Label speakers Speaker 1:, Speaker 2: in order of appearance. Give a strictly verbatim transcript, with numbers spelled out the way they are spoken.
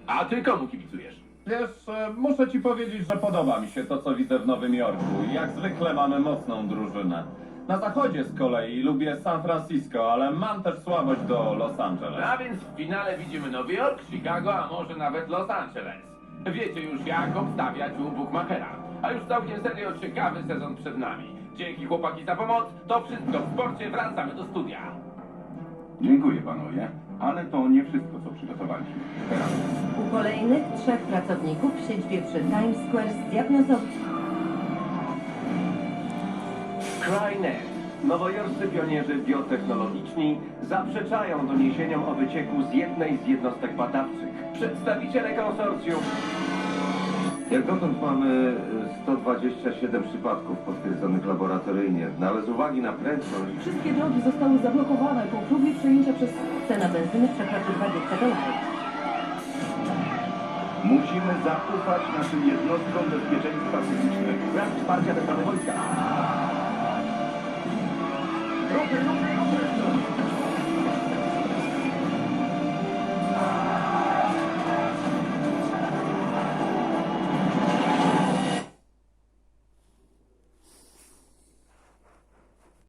Speaker 1: A ty komu kibicujesz?
Speaker 2: Wiesz, e, muszę ci powiedzieć, że podoba mi się to, co widzę w Nowym Jorku. Jak zwykle mamy mocną drużynę. Na zachodzie z kolei lubię San Francisco, ale mam też słabość do Los Angeles.
Speaker 1: A więc w finale widzimy Nowy Jork, Chicago, a może nawet Los Angeles. Wiecie już jak obstawiać u Bookmachera. A już całkiem serio ciekawy sezon przed nami. Dzięki chłopaki za pomoc. To wszystko w sporcie. Wracamy do studia.
Speaker 3: Dziękuję panowie, ale to nie wszystko, co przygotowaliśmy. Teraz
Speaker 4: U kolejnych trzech pracowników w siedzibie przy Times Square zdiagnozowano
Speaker 5: Skynet. Nowojorscy pionierzy biotechnologiczni zaprzeczają doniesieniom o wycieku z jednej z jednostek badawczych. Przedstawiciele konsorcjum
Speaker 6: Jak dotąd mamy sto dwadzieścia siedem przypadków potwierdzonych laboratoryjnie, no ale z uwagi na prędkość
Speaker 4: Wszystkie drogi zostały zablokowane po próbie przejęcia przez... Cena benzyny przekroczy dwadzieścia dolarów.
Speaker 3: musimy zaufać naszym jednostkom bezpieczeństwa fizycznego.
Speaker 5: brak wsparcia ze strony wojska.
Speaker 3: Ruchy, ruchy, ruchy!